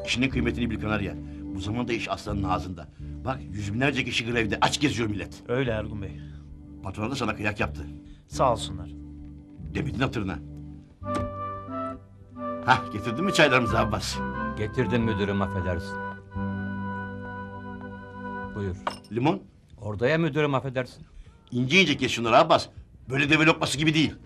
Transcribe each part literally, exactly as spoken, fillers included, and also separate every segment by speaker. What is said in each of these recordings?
Speaker 1: İşinin kıymetini bil Kanarya. Bu zamanda iş aslanın ağzında. Bak yüz binlerce kişi grevde aç geziyor millet.
Speaker 2: Öyle Ergun Bey.
Speaker 1: Patron da sana kıyak yaptı.
Speaker 2: Sağ olsunlar.
Speaker 1: Demedin hatırına. Hah getirdin mi çaylarımızı Abbas?
Speaker 3: Getirdim müdürüm, affedersin. Buyur.
Speaker 1: Limon?
Speaker 3: Orada ya müdürüm, affedersin.
Speaker 1: İnce ince kes şunları Abbas. Böyle deve lokması gibi değil.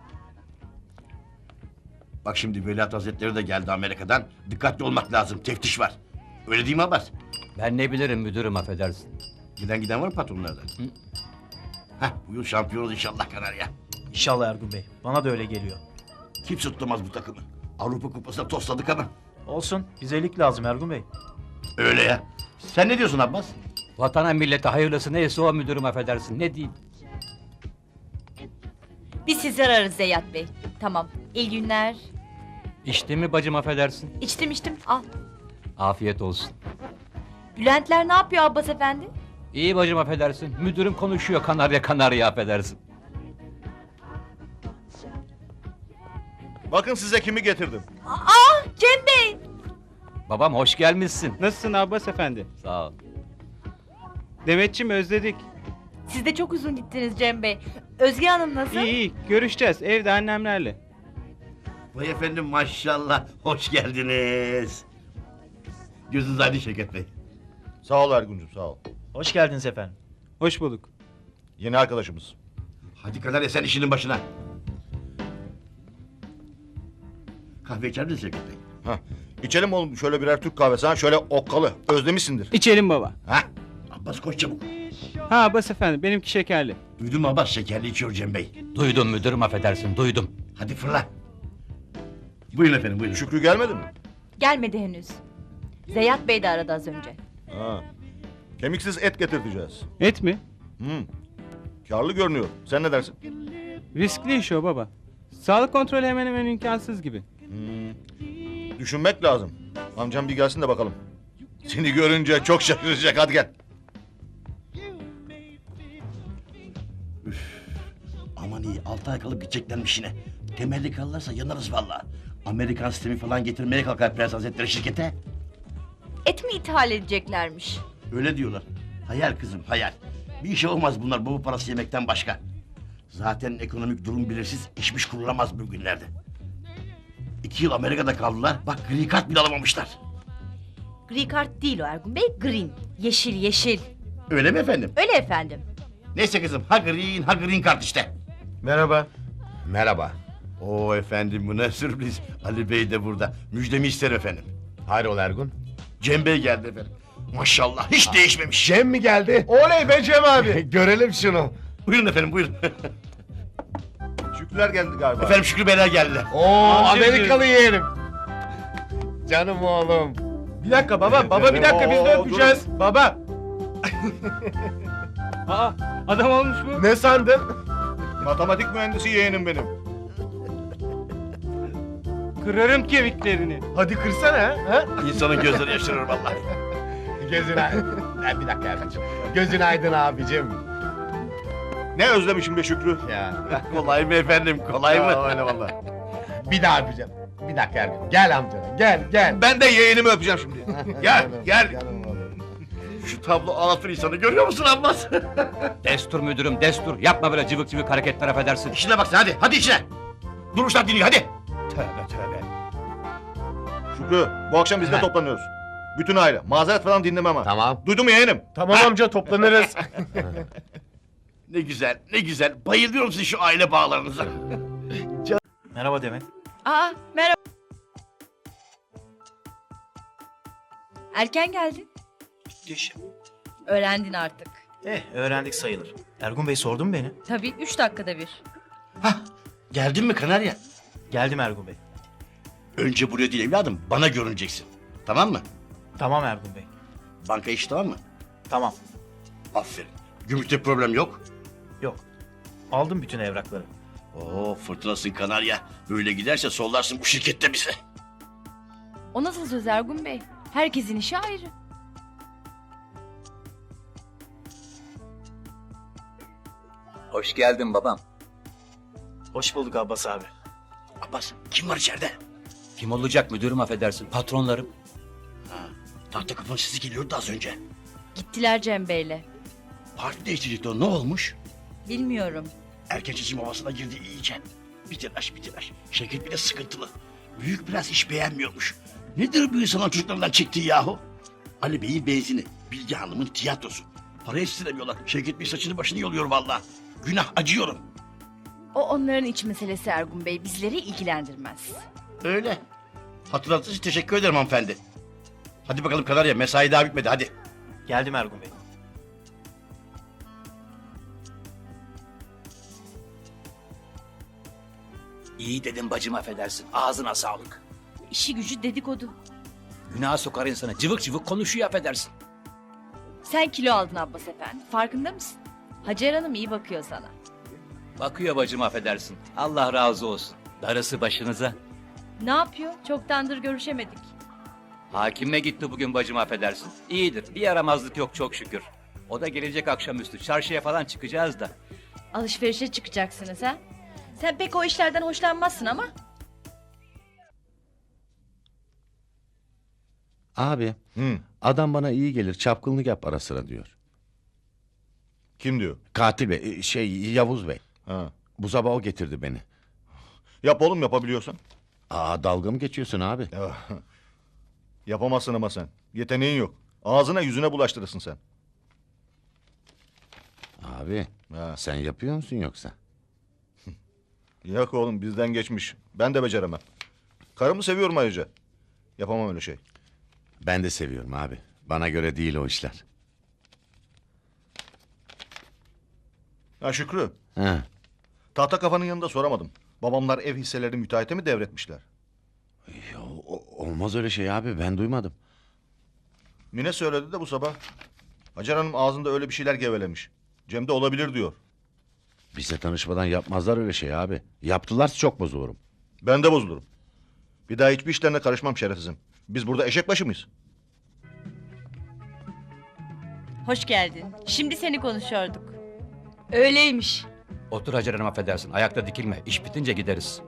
Speaker 1: Bak şimdi Veliaht Hazretleri de geldi Amerika'dan. Dikkatli olmak lazım. Teftiş var. Öyle değil mi Abbas?
Speaker 3: Ben ne bilirim müdürüm, affedersin.
Speaker 1: Giden giden var mı patronlardan?
Speaker 3: Hı.
Speaker 1: Hah bu yıl şampiyonuz inşallah Kanarya.
Speaker 2: İnşallah Ergun Bey. Bana da öyle geliyor.
Speaker 1: Kimse tutamaz bu takımı. Avrupa Kupası'na tosladık ama.
Speaker 2: Olsun. Bize lig lazım Ergun Bey.
Speaker 1: Öyle ya. Sen ne diyorsun Abbas?
Speaker 3: Vatana millete hayırlısı neyse o müdürüm, affedersin. Ne diyeyim?
Speaker 4: Biz sizi ararız Zeyyat Bey. Tamam. İyi günler.
Speaker 3: İçtin mi bacım, affedersin?
Speaker 4: İçtim içtim. Al.
Speaker 3: Afiyet olsun.
Speaker 4: Bülentler ne yapıyor Abbas Efendi?
Speaker 3: İyi bacım, affedersin. Müdürüm konuşuyor, kanarya kanarya, affedersin.
Speaker 5: Bakın size kimi getirdim.
Speaker 4: Aa Cem Bey.
Speaker 3: Babam hoş gelmişsin.
Speaker 6: Nasılsın Abbas efendi?
Speaker 3: Sağ ol.
Speaker 6: Demetçim özledik.
Speaker 4: Siz de çok uzun gittiniz Cem Bey. Özge Hanım nasıl?
Speaker 6: İyi iyi görüşeceğiz evde annemlerle.
Speaker 1: Vay efendim maşallah. Hoş geldiniz. Gözünüz aydın Şevket Bey.
Speaker 5: Sağ ol Ergun'cum sağ ol.
Speaker 2: Hoş geldiniz efendim.
Speaker 6: Hoş bulduk.
Speaker 5: Yeni arkadaşımız.
Speaker 1: Hadi Kanarya sen işinin başına. Kahve içer misin Şevket Bey?
Speaker 5: Hah. İçelim oğlum şöyle birer Türk kahvesi ha şöyle okkalı. Özlemişsindir.
Speaker 6: İçelim baba.
Speaker 1: Ha? Abbas koş çabuk.
Speaker 6: Ha Abbas efendi benimki şekerli.
Speaker 1: Duydun mu Abbas şekerli içiyor Cem Bey.
Speaker 3: Duydum müdürüm, affedersin, duydum.
Speaker 1: Hadi fırla. Buyurun efendim buyurun.
Speaker 5: Şükrü gelmedi mi?
Speaker 4: Gelmedi henüz. Zeyyat Bey de aradı az önce.
Speaker 5: Ha. Kemiksiz et getirteceğiz.
Speaker 6: Et mi?
Speaker 5: Hmm. Karlı görünüyor. Sen ne dersin?
Speaker 6: Riskli iş o baba. Sağlık kontrolü hemen hemen imkansız gibi.
Speaker 5: Hmm. Düşünmek lazım. Amcam bir gelsin de bakalım. Seni görünce çok şaşıracak hadi gel.
Speaker 1: Aman iyi altı ay kalıp gideceklermiş yine. Temelli kalırlarsa yanarız vallahi. Amerikan sistemi falan getirmeye kalkar Prens Hazretleri şirkete.
Speaker 4: Et mi ithal edeceklermiş?
Speaker 1: Öyle diyorlar. Hayal kızım hayal. Bir işe olmaz bunlar baba parası yemekten başka. Zaten ekonomik durum belirsiz işmiş kurulamaz bugünlerde. İki yıl Amerika'da kaldılar. Bak gri kart bile alamamışlar.
Speaker 4: Gri kart değil o Ergun Bey. Green. Yeşil yeşil.
Speaker 1: Öyle mi efendim?
Speaker 4: Öyle efendim.
Speaker 1: Neyse kızım ha green ha green kart işte.
Speaker 5: Merhaba.
Speaker 1: Merhaba. Oo efendim bu ne sürpriz. Ali Bey de burada. Müjdemi isterim efendim.
Speaker 7: Hayrola Ergun?
Speaker 1: Cem Bey geldi efendim. Maşallah hiç değişmemiş.
Speaker 7: Cem mi geldi? Oley be Cem abi. Görelim şunu.
Speaker 1: Buyurun efendim buyurun.
Speaker 5: Şükrüler geldi galiba.
Speaker 1: efendim Şükrü Beyler geldiler.
Speaker 7: Oo Amerikalı yeğenim. Canım oğlum.
Speaker 8: Bir dakika baba, baba bir dakika biz de
Speaker 5: Oo,
Speaker 8: öpeceğiz. Baba,
Speaker 6: Aa adam olmuş bu.
Speaker 8: ne sandın?
Speaker 5: Matematik mühendisi yeğenim benim.
Speaker 6: Kırarım kemiklerini.
Speaker 8: Hadi kırsana ha.
Speaker 1: İnsanın gözleri yaşarır vallahi.
Speaker 7: Gözün aydın. Ha, bir dakika Ergun'cum. Gözün aydın abicim.
Speaker 5: Ne özlemişim be Şükrü.
Speaker 7: Ya.
Speaker 1: Kolay mı efendim kolay mı?
Speaker 7: Ya, öyle vallahi. Bir daha öpeceğim. Bir dakika Ergun. Gel amcana gel gel.
Speaker 5: Ben de yeğenimi öpeceğim şimdi.
Speaker 1: Gel,
Speaker 7: Canım,
Speaker 1: gel.
Speaker 7: canım oğlum.
Speaker 1: Şu tablo ağlatır insanı görüyor musun Abbas?
Speaker 3: Destur müdürüm, destur. Yapma böyle cıvık cıvık hareketler, affedersin.
Speaker 1: İşine bak sen hadi hadi işine. Duruşlar dinliyor hadi.
Speaker 3: Tövbe tövbe.
Speaker 5: Şükrü bu akşam biz de
Speaker 1: Ha.
Speaker 5: toplanıyoruz. Bütün aile. Mazeret falan dinlemem ha.
Speaker 7: Tamam.
Speaker 5: Duydun mu yeğenim?
Speaker 8: Tamam amca toplanırız.
Speaker 1: Ne güzel ne güzel bayılıyorum sizin şu aile bağlarınıza.
Speaker 2: Merhaba Demet.
Speaker 4: Aa merhaba. Erken geldin.
Speaker 2: Bitti işim.
Speaker 4: Öğrendin artık.
Speaker 2: Eh öğrendik sayılır. Ergun Bey sordu mu beni?
Speaker 4: Tabii üç dakikada bir.
Speaker 1: Hah geldin mi Kanarya?
Speaker 2: Geldim Ergun Bey.
Speaker 1: Önce buraya değil evladım bana görüneceksin. Tamam mı?
Speaker 2: Tamam Ergun Bey.
Speaker 1: Banka işi tamam mı?
Speaker 2: Tamam.
Speaker 1: Aferin. Gümrükte problem yok.
Speaker 2: Yok. Aldım bütün evrakları.
Speaker 1: Oo fırtınasın Kanarya. Böyle giderse sollarsın bu şirkette bize.
Speaker 4: O nasıl söz Ergun Bey? Herkesin işi ayrı.
Speaker 3: Hoş geldin babam.
Speaker 2: Hoş bulduk Abbas abi.
Speaker 1: Abbas kim var içeride?
Speaker 3: Kim olacak müdürüm, affedersin, patronlarım.
Speaker 1: Tahta kafanın sesi geliyordu az önce.
Speaker 4: Gittiler Cem Bey'le.
Speaker 1: Parti değiştirecekti o, ne olmuş?
Speaker 4: Bilmiyorum.
Speaker 1: Erken seçim havasına girdi iyice. Bir telaş bir telaş. Şevket bile sıkıntılı. Büyük biraz iş beğenmiyormuş. Nedir bu insanın çocuklarından çektiği yahu? Ali Bey'in benzini, Bilge Hanım'ın tiyatrosu. Para istiremiyorlar. Şevket Bey saçını başını yoluyor vallahi. Günah, acıyorum.
Speaker 4: O onların iç meselesi Ergun Bey. Bizleri ilgilendirmez.
Speaker 1: Öyle. Hatırlattığınız için teşekkür ederim hanımefendi. Hadi bakalım Kanarya, mesai daha bitmedi hadi.
Speaker 2: Geldim Ergun Bey.
Speaker 3: İyi dedim bacım affedersin. Ağzına sağlık.
Speaker 4: İşi gücü dedikodu.
Speaker 3: Günah sokar insana. Cıvık cıvık konuşuyor affedersin.
Speaker 4: Sen kilo aldın Abbas Efendi. Farkında mısın? Hacer Hanım iyi bakıyor sana.
Speaker 3: Bakıyor bacım affedersin. Allah razı olsun. Darısı başınıza.
Speaker 4: Ne yapıyor? Çoktandır görüşemedik.
Speaker 3: Hakime gitti bugün bacım affedersin. İyidir. Bir yaramazlık yok çok şükür. O da gelecek akşamüstü. Çarşıya falan çıkacağız da.
Speaker 4: Alışverişe çıkacaksınız ha? Sen pek o işlerden hoşlanmazsın ama.
Speaker 9: Abi
Speaker 5: Hı.
Speaker 9: adam bana iyi gelir çapkınlık yap ara sıra diyor.
Speaker 5: Kim diyor?
Speaker 9: Katil bey e, şey Yavuz Bey.
Speaker 5: Ha.
Speaker 9: Bu sabah o getirdi beni.
Speaker 5: Yap oğlum yapabiliyorsan.
Speaker 9: Aa dalga mı geçiyorsun abi?
Speaker 5: Ya, yapamazsın ama sen. Yeteneğin yok. Ağzına yüzüne bulaştırırsın sen.
Speaker 9: Abi
Speaker 5: Ha.
Speaker 9: sen yapıyor musun yoksa?
Speaker 5: Yok oğlum bizden geçmiş. Ben de beceremem. Karımı seviyorum ayrıca. Yapamam öyle şey.
Speaker 9: Ben de seviyorum abi. Bana göre değil o işler.
Speaker 5: Ha Şükrü.
Speaker 9: Ha.
Speaker 5: Tahta kafanın yanında soramadım. Babamlar ev hisselerini müteahhite mi devretmişler?
Speaker 9: Ya, o- olmaz öyle şey abi ben duymadım.
Speaker 5: Mine söyledi de bu sabah. Hacer Hanım ağzında öyle bir şeyler gevelemiş. Cem de olabilir diyor.
Speaker 9: Bize tanışmadan yapmazlar öyle şey abi. Yaptılarsa çok bozulurum.
Speaker 5: Ben de bozulurum. Bir daha hiçbir işlerine karışmam şerefsizim. Biz burada eşek başı mıyız?
Speaker 4: Hoş geldin. Şimdi seni konuşuyorduk. Öyleymiş.
Speaker 3: Otur Hacer Hanım affedersin. Ayakta dikilme. İş bitince gideriz.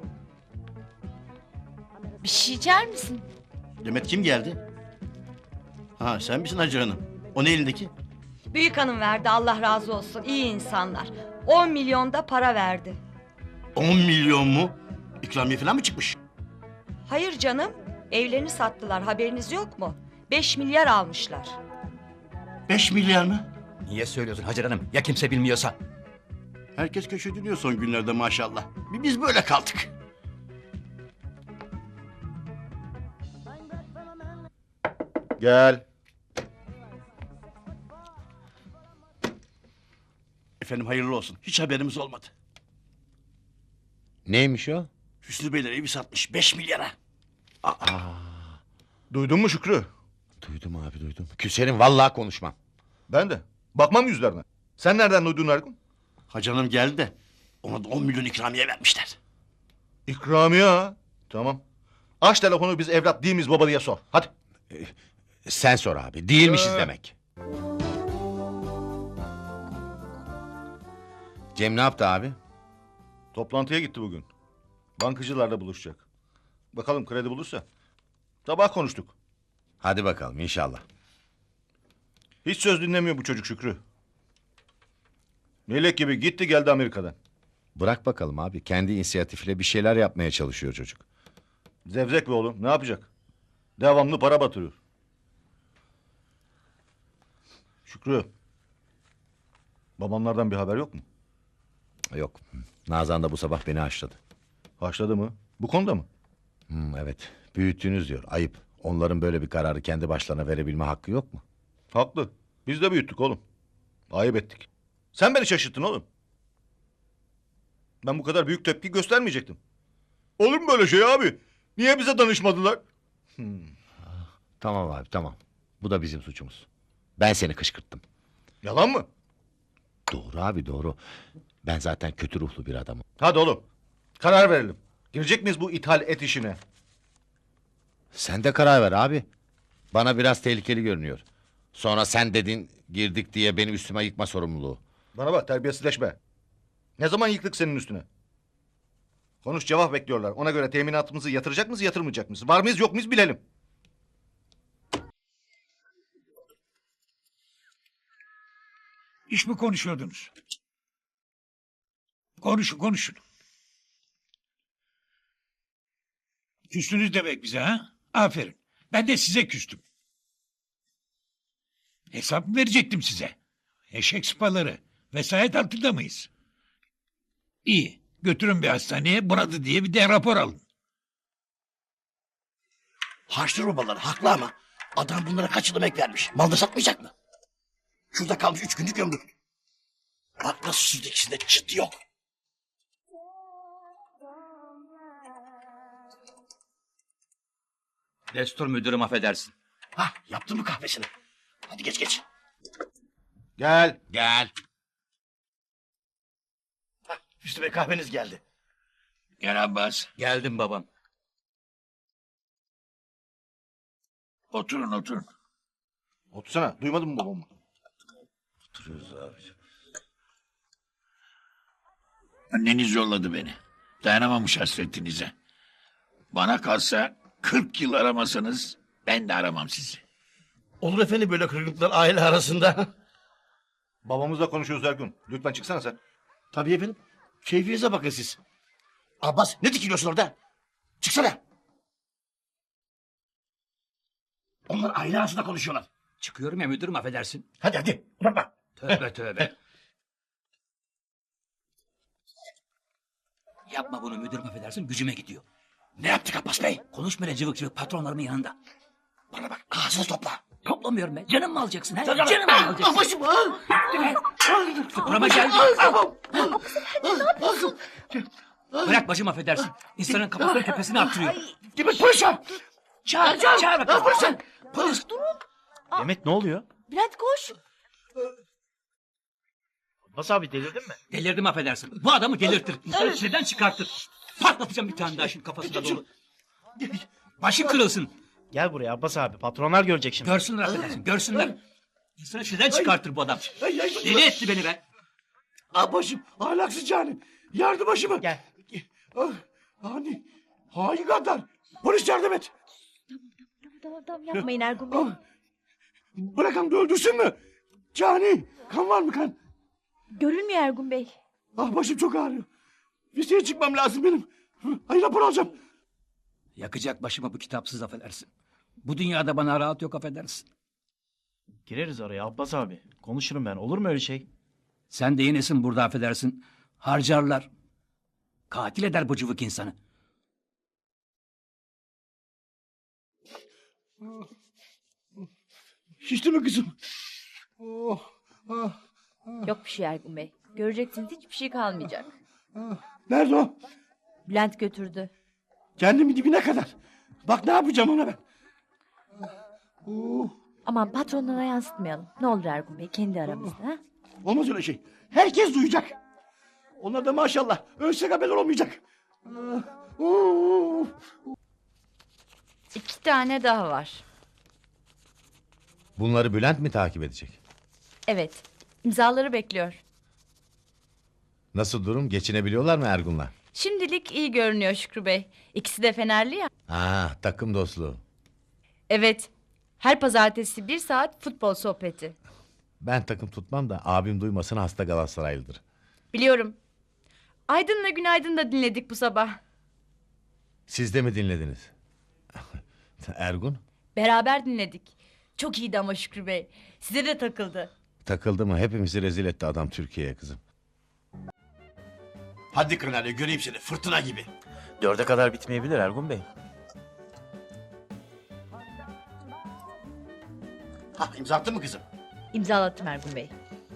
Speaker 4: Bir şey içer misin?
Speaker 1: Demet kim geldi? Ha sen misin Hacı Hanım? O ne elindeki?
Speaker 10: Büyük hanım verdi Allah razı olsun iyi insanlar. on milyon da para verdi.
Speaker 1: On milyon mu? İkramiye falan mı çıkmış?
Speaker 10: Hayır canım evlerini sattılar haberiniz yok mu? beş milyar almışlar.
Speaker 1: Beş milyar mı?
Speaker 3: Niye söylüyorsun Hacer Hanım? Ya kimse bilmiyorsa?
Speaker 1: Herkes köşediliyor son günlerde maşallah. Bir biz böyle kaldık.
Speaker 5: Gel.
Speaker 1: Efendim hayırlı olsun. Hiç haberimiz olmadı.
Speaker 9: Neymiş o?
Speaker 1: Hüsnü Beyler evi satmış beş milyara.
Speaker 5: Duydun mu Şükrü?
Speaker 9: Duydum abi duydum. Küserim vallahi konuşmam.
Speaker 5: Ben de. Bakmam yüzlerine. Sen nereden duydun Ergun?
Speaker 1: Hacı Hanım geldi de ona da on milyon ikramiye vermişler.
Speaker 5: İkramiye ha. Tamam. Aç telefonu biz evlat değil miyiz baba diye sor. Hadi.
Speaker 9: Sen sor abi değilmişiz
Speaker 5: Ee.
Speaker 9: demek. Cem ne yaptı abi?
Speaker 5: Toplantıya gitti bugün. Bankacılarla buluşacak. Bakalım kredi bulursa. Sabah konuştuk.
Speaker 9: Hadi bakalım inşallah.
Speaker 5: Hiç söz dinlemiyor bu çocuk Şükrü. Melek gibi gitti geldi Amerika'dan.
Speaker 9: Bırak bakalım abi. Kendi inisiyatifiyle bir şeyler yapmaya çalışıyor çocuk.
Speaker 5: Zevzek be oğlum ne yapacak? Devamlı para batırıyor. Şükrü. Babamlardan bir haber yok mu?
Speaker 9: Yok. Nazan da bu sabah beni haşladı.
Speaker 5: Haşladı mı? Bu konuda mı?
Speaker 9: Hmm, evet. Büyüttünüz diyor. Ayıp. Onların böyle bir kararı kendi başlarına verebilme hakkı yok mu?
Speaker 5: Haklı. Biz de büyüttük oğlum. Ayıp ettik. Sen beni şaşırttın oğlum. Ben bu kadar büyük tepki göstermeyecektim. Olur mu böyle şey abi? Niye bize danışmadılar?
Speaker 9: Tamam abi tamam. Bu da bizim suçumuz. Ben seni kışkırttım.
Speaker 5: Yalan mı?
Speaker 9: Doğru abi doğru. Ben zaten kötü ruhlu bir adamım.
Speaker 5: Hadi oğlum. Karar verelim. Girecek miyiz bu ithal et işine?
Speaker 9: Sen de karar ver abi. Bana biraz tehlikeli görünüyor. Sonra sen dedin girdik diye beni üstüme yıkma sorumluluğu.
Speaker 5: Bana bak terbiyesizleşme. Ne zaman yıktık senin üstüne? Konuş cevap bekliyorlar. Ona göre teminatımızı yatıracak mıyız yatırmayacak mıyız? Var mıyız yok muyuz bilelim.
Speaker 11: İş mi konuşuyordunuz? Konuşun konuşun. Küstünüz demek bize ha? Aferin. Ben de size küstüm. Hesap mı verecektim size? Eşek sıpaları. Vesayet altında mıyız? İyi. Götürün bir hastaneye bunadı diye bir de rapor alın.
Speaker 1: Harçlı robalar haklı ama adam bunlara kaç yıl emek vermiş. Malda satmayacak mı? Şurada kalmış üç günlük ömrü. Bak nasıl sürdü ikisinde çıt yok.
Speaker 3: Destur müdürüm affedersin.
Speaker 1: Hah yaptın mı kahvesini? Hadi geç geç.
Speaker 5: Gel. Gel.
Speaker 1: Hah, Hüsnü Bey kahveniz geldi.
Speaker 11: Gel Abbas.
Speaker 3: Geldim babam.
Speaker 11: Oturun oturun.
Speaker 5: Otursana. Duymadın mı babamı?
Speaker 11: Anneniz yolladı beni. Dayanamamış hasretinize. Bana kalsa kırk yıl aramasanız ben de aramam sizi.
Speaker 1: Olur efendim böyle kırgınlıklar aile arasında.
Speaker 5: Babamızla konuşuyoruz Ergun. Lütfen çıksana sen.
Speaker 1: Tabii efendim. Keyfinize bakın siz. Abbas ne dikiliyorsun orada? Çıksana. Onlar aile arasında konuşuyorlar.
Speaker 3: Çıkıyorum ya müdürüm affedersin.
Speaker 1: Hadi hadi uzatma.
Speaker 3: Tövbe tövbe. Yapma bunu müdürüm affedersin gücüme gidiyor.
Speaker 1: Ne yaptık Abbas Bey?
Speaker 3: Konuşma öyle cıvık cıvık patronlarımın yanında.
Speaker 1: Bana bak ağzını topla.
Speaker 3: Toplamıyorum ben. Canım mı alacaksın? He?
Speaker 1: Canım,
Speaker 3: Canım mı alacaksın?
Speaker 1: Başım ha.
Speaker 3: Burama geldi. Bırak bacım affedersin. İnsanın kafasını tepesine attırıyor.
Speaker 1: Demek polis var.
Speaker 3: Çağır, çağır, çağır bakalım. Polis. Polis.
Speaker 2: Demet ne oluyor?
Speaker 4: Bülent koş.
Speaker 2: Abbas abi delirdin mi?
Speaker 3: Delirdim affedersin. Bu adamı delirtir. İnsanı çileden çıkartır. Patlatacağım bir tane daha şimdi kafasına doğru. Başın kırılsın.
Speaker 2: Gel buraya Abbas abi. Patronlar görecek şimdi.
Speaker 3: Görsünler affedersin. Görsünler. İnsanı çileden çıkartır bu adam. Deli etti beni be.
Speaker 1: Ah başım ahlaksız cani. Yardım başımı.
Speaker 2: Gel.
Speaker 1: Ah, hani hain gaddar. Polis yardım et.
Speaker 4: Tamam tamam yapmayın Ergun Bey.
Speaker 1: Ah, bırakın da öldürsün mü? Cani kan var mı kan?
Speaker 4: Görülmüyor Ergun Bey.
Speaker 1: Ah başım çok ağrıyor. Liseye çıkmam lazım benim. Hayır rapor alacağım.
Speaker 3: Yakacak başımı bu kitapsız affedersin. Bu dünyada bana rahat yok affedersin.
Speaker 2: Gireriz araya Abbas abi. Konuşurum ben. Olur mu öyle şey?
Speaker 3: Sen de yenisin burada affedersin. Harcarlar. Katil eder bu cıvık insanı.
Speaker 1: Şişti mi kızım? Oh, ah,
Speaker 4: Yok bir şey Ergun Bey. Göreceksiniz hiçbir şey kalmayacak.
Speaker 1: ah. Nerede o?
Speaker 4: Bülent götürdü.
Speaker 1: Kendimi dibine kadar. Bak ne yapacağım ona ben. Oh,
Speaker 4: Aman patronlara yansıtmayalım. Ne olur Ergun Bey kendi aramızda. Ha?
Speaker 1: olmaz öyle şey. Herkes duyacak. Onlar da maşallah ölsek haber olmayacak. Ah, oh.
Speaker 4: İki tane daha var.
Speaker 9: Bunları Bülent mi takip edecek?
Speaker 4: Evet. İmzaları bekliyor.
Speaker 9: Nasıl durum? Geçinebiliyorlar mı Ergun'la?
Speaker 4: Şimdilik iyi görünüyor Şükrü Bey. İkisi de Fenerli ya.
Speaker 9: Ha, takım dostluğu.
Speaker 4: Evet. Her pazartesi bir saat futbol sohbeti.
Speaker 9: Ben takım tutmam da abim duymasın hasta Galatasaraylıdır.
Speaker 4: Biliyorum. Aydın'la Günaydın da dinledik bu sabah.
Speaker 9: Siz de mi dinlediniz? Ergun?
Speaker 4: Beraber dinledik. Çok iyiydi ama Şükrü Bey. Size de takıldı.
Speaker 9: Takıldı mı? Hepimizi rezil etti adam Türkiye'ye kızım.
Speaker 1: Hadi Kırnalya göreyim seni fırtına gibi.
Speaker 2: Dörde kadar bitmeyebilir Ergun Bey.
Speaker 1: Ha imza attın mı kızım?
Speaker 4: İmzalattım Ergun Bey.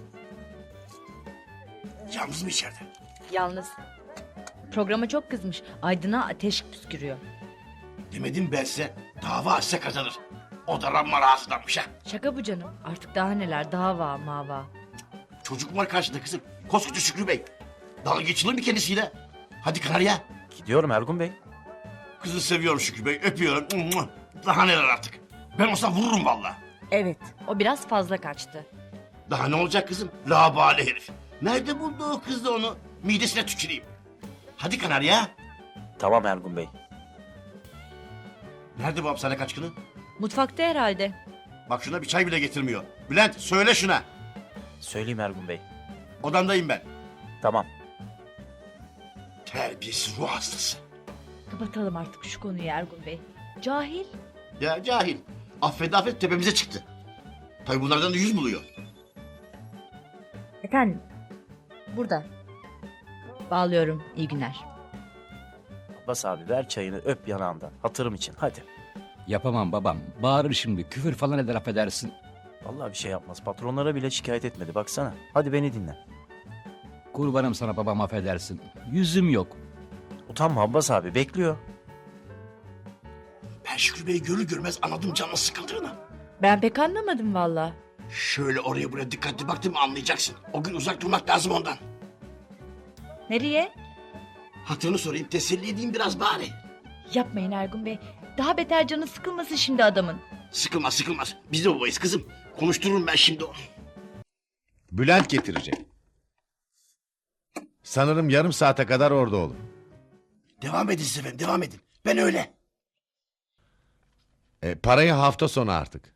Speaker 1: Yalnız mı içeride?
Speaker 4: Yalnız. Programa çok kızmış. Aydın'a ateş püskürüyor.
Speaker 1: Demedim ben size dava açsa kazanır. O da ramma rahatsızlanmış ha.
Speaker 4: Şaka bu canım. Artık daha neler dava mava.
Speaker 1: Çocuk var karşında kızım. Koskoca Şükrü Bey. Dalga geçilir mi kendisiyle? Hadi Kanarya.
Speaker 2: Gidiyorum Ergun Bey.
Speaker 1: Kızı seviyorum Şükrü Bey. Öpüyorum. Daha neler artık. Ben olsam vururum valla.
Speaker 4: Evet o biraz fazla kaçtı.
Speaker 1: Daha ne olacak kızım? Labali herif. Nerede buldu o kız da onu? Midesine tüküreyim. Hadi Kanarya.
Speaker 2: Tamam Ergun Bey.
Speaker 1: Nerede bu hapishane kaçkını?
Speaker 4: Mutfakta herhalde.
Speaker 1: Bak şuna bir çay bile getirmiyor. Bülent söyle şuna.
Speaker 2: Söyleyeyim Ergun Bey.
Speaker 1: Odamdayım ben.
Speaker 2: Tamam.
Speaker 1: Terbiyesiz ruh hastası.
Speaker 4: Kapatalım artık şu konuyu Ergun Bey. Cahil.
Speaker 1: Ya cahil. Affet affet tepemize çıktı. Tabii bunlardan da yüz buluyor.
Speaker 4: Efendim. Burada. Bağlıyorum. İyi günler.
Speaker 2: Abbas abi ver çayını öp yanağından. Hatırım için hadi.
Speaker 12: Yapamam babam. Bağırır şimdi. Küfür falan eder affedersin.
Speaker 2: Vallahi bir şey yapmaz. Patronlara bile şikayet etmedi baksana. Hadi beni dinle.
Speaker 12: Kurbanım sana babam affedersin. Yüzüm yok.
Speaker 2: Utanma Abbas abi bekliyor.
Speaker 1: Ben Şükrü Bey'i görür görmez anladım canına sıkıldığını.
Speaker 4: Ben pek anlamadım valla.
Speaker 1: Şöyle oraya buraya dikkatli baktın mı anlayacaksın. O gün uzak durmak lazım ondan.
Speaker 4: Nereye?
Speaker 1: Hatırını sorayım teselli edeyim biraz bari.
Speaker 4: Yapmayın Ergun Bey. Daha beter canı sıkılmasın şimdi adamın.
Speaker 1: Sıkılmaz sıkılmaz. Biz de babayız kızım. Konuştururum ben şimdi onu.
Speaker 9: Bülent getirecek. Sanırım yarım saate kadar orada olur.
Speaker 1: Devam edin siz efendim devam edin. Ben öyle.
Speaker 9: E, parayı hafta sonu artık.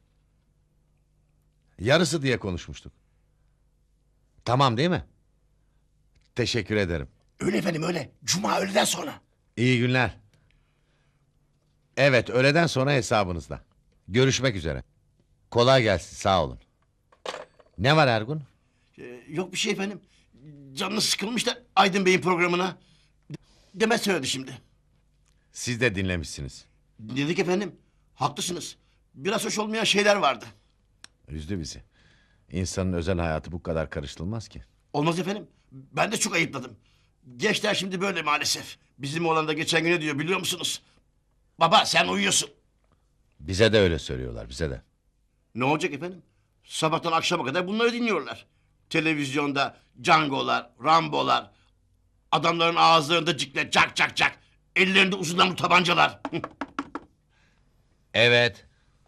Speaker 9: Yarısı diye konuşmuştuk. Tamam değil mi? Teşekkür ederim.
Speaker 1: Öyle efendim öyle. Cuma öğleden sonra.
Speaker 9: İyi günler. Evet, öğleden sonra hesabınızda. Görüşmek üzere. Kolay gelsin, sağ olun. Ne var Ergun?
Speaker 1: Ee, yok bir şey efendim. Canınız sıkılmış da Aydın Bey'in programına. Demet söyledi şimdi.
Speaker 9: Siz de dinlemişsiniz.
Speaker 1: Dedik efendim. Haklısınız. Biraz hoş olmayan şeyler vardı.
Speaker 9: Üzdü bizi. İnsanın özel hayatı bu kadar karıştırılmaz ki.
Speaker 1: Olmaz efendim. Ben de çok ayıpladım. Gençler şimdi böyle maalesef. Bizim oğlan da geçen gün ne diyor biliyor musunuz? Baba sen uyuyorsun.
Speaker 9: Bize de öyle söylüyorlar, bize de.
Speaker 1: Ne olacak efendim? Sabahtan akşama kadar bunları dinliyorlar. Televizyonda Django'lar, Rambo'lar. Adamların ağızlarında cikle cak cak cak. Ellerinde uzun namlu tabancalar.
Speaker 9: Evet.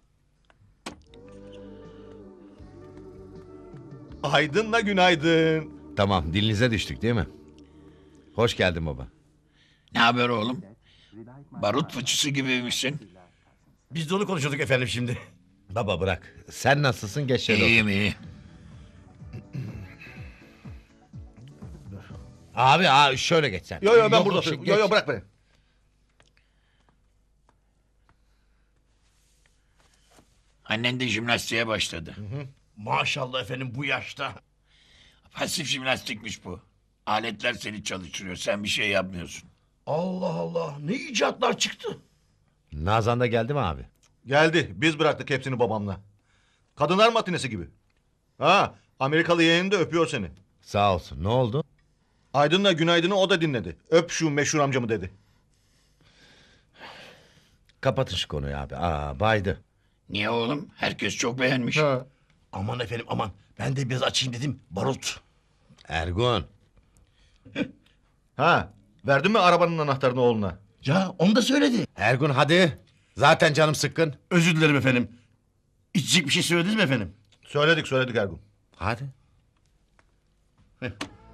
Speaker 5: Aydınla günaydın.
Speaker 9: Tamam, dilinize düştük değil mi? Hoş geldin baba.
Speaker 11: Ne haber oğlum? Barut fıçısı gibiymişsin.
Speaker 1: Biz de onu konuşuyorduk efendim şimdi.
Speaker 9: Baba bırak. Sen nasılsın? Geç şöyle otur.
Speaker 11: İyiyim iyi.
Speaker 9: Abi, abi şöyle geç sen.
Speaker 5: Yo yo ben
Speaker 9: Yok,
Speaker 5: burada
Speaker 9: yok,
Speaker 5: oturuyorum.
Speaker 9: geç.
Speaker 5: Yo yo bırak beni.
Speaker 11: Annen de jimnastiğe başladı.
Speaker 1: Maşallah efendim bu yaşta.
Speaker 11: Pasif jimnastikmiş bu. Aletler seni çalıştırıyor. Sen bir şey yapmıyorsun.
Speaker 1: Allah Allah ne icatlar çıktı.
Speaker 9: Nazan da geldi mi abi?
Speaker 5: Geldi. Biz bıraktık hepsini babamla. Kadınlar matinesi gibi. Ha, Amerikalı yeğeni de öpüyor seni.
Speaker 9: Sağ olsun. Ne oldu?
Speaker 5: Aydın'la günaydını o da dinledi. Öp şu meşhur amcamı dedi.
Speaker 9: Kapatın şu konuyu abi. Aa, baydı.
Speaker 11: Niye oğlum? Herkes çok beğenmiş.
Speaker 5: Ha.
Speaker 1: Aman efendim aman. Ben de biraz açayım dedim. Barut.
Speaker 9: Ergun.
Speaker 5: Ha, verdin mi arabanın anahtarını oğluna?
Speaker 1: Ya onu da söyledi.
Speaker 9: Ergun hadi. Zaten canım sıkkın.
Speaker 1: Özür dilerim efendim. İçecek bir şey söylediniz mi efendim?
Speaker 5: Söyledik söyledik Ergun.
Speaker 9: Hadi.
Speaker 1: Heh.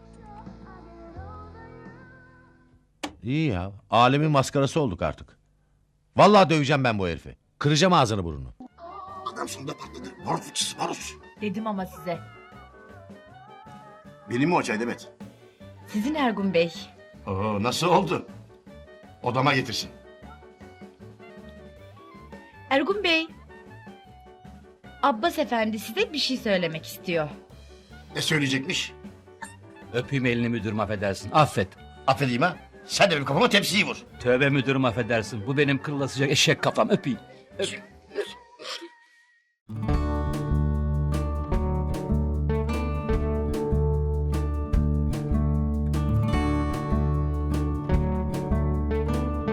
Speaker 9: İyi ya. Alemin maskarası olduk artık. Vallahi döveceğim ben bu herifi. Kıracağım ağzını burnunu.
Speaker 1: Adam sonunda patladı. Barut fıçısı barut.
Speaker 4: Dedim ama size.
Speaker 1: Benim mi o çay Demet?
Speaker 4: Sizin Ergun Bey.
Speaker 1: Oo, nasıl oldu? Odama getirsin.
Speaker 4: Ergun Bey. Abbas Efendi size bir şey söylemek istiyor.
Speaker 1: Ne söyleyecekmiş?
Speaker 12: Öpeyim elini müdürüm affedersin. Affet.
Speaker 1: Affedeyim ha. Sen de benim kafama tepsiyi vur.
Speaker 12: Tövbe müdürüm affedersin. Bu benim kırılasıcak eşek kafam. Öpeyim. Öp.